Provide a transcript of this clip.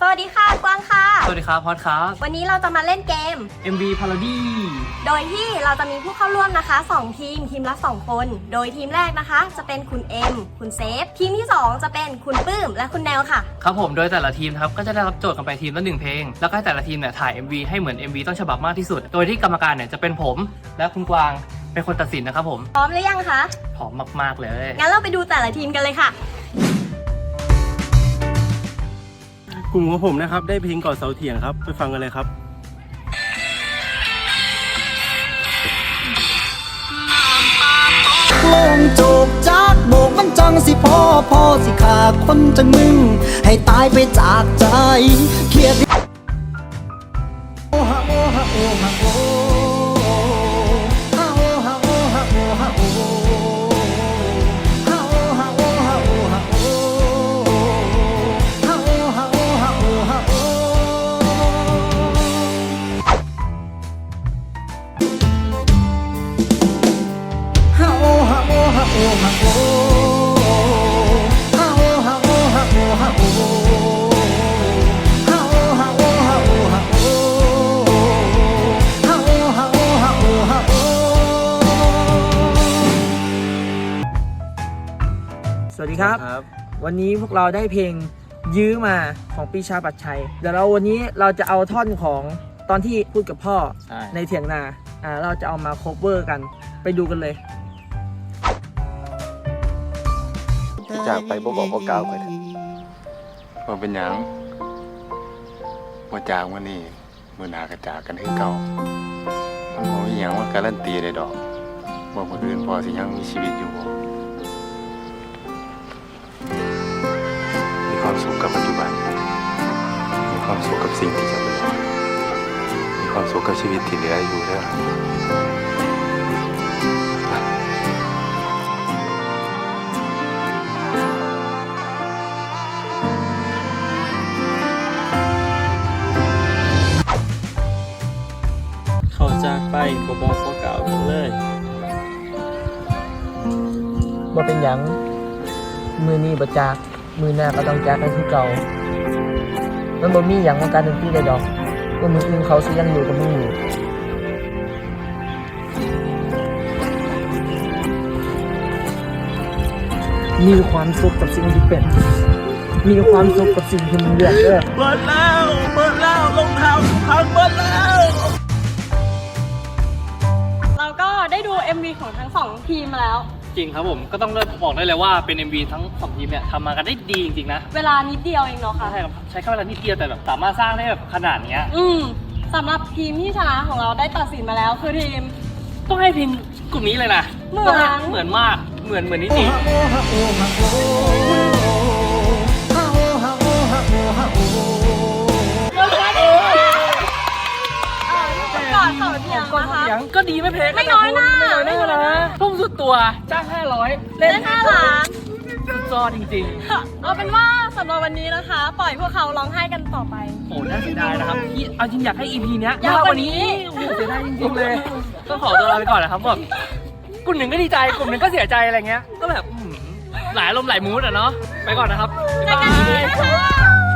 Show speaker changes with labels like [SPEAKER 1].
[SPEAKER 1] วัสดีค่ะกวางค่ะ
[SPEAKER 2] สวัสดีครับพอดครับ
[SPEAKER 1] วันนี้เราจะมาเล่นเกม
[SPEAKER 2] MV Parody
[SPEAKER 1] โดยที่เราจะมีผู้เข้าร่วมนะคะ2ทีมละ2คนโดยทีมแรกนะคะจะเป็นคุณเอ็มคุณเซฟทีมที่2จะเป็นคุณปื้มและคุณแนวค่ะ
[SPEAKER 2] ครับผมโดยแต่ละทีมครับก็จะได้รับโจทย์กันไปทีมละ1เพลงแล้วก็ให้แต่ละทีมเนี่ยถ่าย MV ให้เหมือน MV ต้นฉบับมากที่สุดโดยที่กรรมการเนี่ยจะเป็นผมและคุณกวางเป็นคนตัดสินนะครับผม
[SPEAKER 1] พร้อมหรือยังคะ
[SPEAKER 2] พร้อมมากๆเลย
[SPEAKER 1] งั้นเราไปดูแต่ละทีมกันเลยค่ะ
[SPEAKER 3] กลุ่มของผมนะครับได้เพลงก่อนเสาเถียงครับไปฟังกันเลยครับ
[SPEAKER 4] โลงโจกจากโบกมันจังสิพอสิขาคนจังมึงให้ตายไปจากใจเครียดโอฮะโอฮะโอฮะโอฮะโอฮะโอฮะโอฮะโอฮะโอฮะโอฮะโอฮะโอฮะโอฮะโอฮะโอฮะโอ
[SPEAKER 5] สวัสดีครับวันนี้พวกเราได้เพลงยื้อมาของปีชาปัตชัยเดี๋ยววันนี้เราจะเอาท่อนของตอนที่พูดกับพ่อในเถียงนาเราจะเอามาโคเวอร์กันไปดูกันเลย
[SPEAKER 6] จากไปบ่บอกบ่กล่าวไปว่าเป็นหยังว่าจากวันนี้มื้อหน้าก็จากกันคือเก่ามันบ่มีหยังว่าการันตีได้ดอกว่ามื้ออื่นพอสิยังมีชีวิตอยู่บ่มีความสุขกับปัจจุบันมีความสุขกับสิ่งที่จะเหลือมีความสุขกับชีวิตที่เหลืออยู่เด้อ
[SPEAKER 5] เขาจากไปบ่บอกบ่กล่าวกันเลยว่าเป็นหยังมือนี้บ่จากมือหน้าก็ต้องจากกันคือเก่ามันบ่มีหยังว่าการดนตรีได้ดอกว่ามืออื่นเขาสิยังอยู่กับมึงอยู่มีความสุขกับสิ่งที่เป็นมีความสุขกับสิ่งที่มึงเลือกเบิดแล้วรองเท้าพังเบิดแล้ว
[SPEAKER 1] เราก็ได้ดู MV ของทั้ง2ทีมมาแล้ว
[SPEAKER 2] จริงครับผมก็ต้องบอกได้เลยว่าเป็น MV ทั้ง2ทีมเนี่ยทำมากันได้ดีจริงๆนะ
[SPEAKER 1] เวลานิดเดียวเองเนาะค่ะ
[SPEAKER 2] ใช่ครับใช้แค่เวลานิดเดียวแต่แบบสามารถสร้างได้แบบขนาดเนี้ย
[SPEAKER 1] สำหรับทีมที่ชนะของเราได้ตัดสินมาแล้วคือทีม
[SPEAKER 2] ต้องให้ทีมกลุ่มนี้เลยนะเหมือนมากเหมือนนิติ
[SPEAKER 1] ก่อนเขาเถียงนะคะ
[SPEAKER 2] ก็ดีไม่แพ้กัน
[SPEAKER 1] ไม่น้อยนะ
[SPEAKER 2] ทุ่มสุดตัวจ้าง500เล่น
[SPEAKER 1] 5 ล้าน
[SPEAKER 2] สุดยอดจริง
[SPEAKER 1] ๆเอาเป็นว่าสำหรับวันนี้นะคะ ปล่อยพวกเขาร้องไห้กันต่อไป
[SPEAKER 2] โอ้น่าเสียดายนะครับเอาจริงอยากให้ EP เนี้ยยาวกว่านี้โอ้เสียดายจริงๆเลยต้องขอตัวลาไปก่อนนะครับแบบกลุ่มหนึ่งก็ดีใจกลุ่มหนึ่งก็เสียใจอะไรเงี้ยก็แบบหลายอารมณ์หลายมูดอ่ะเนาะไปก่อนนะครับ
[SPEAKER 1] เจอกันที่นี่นะคะ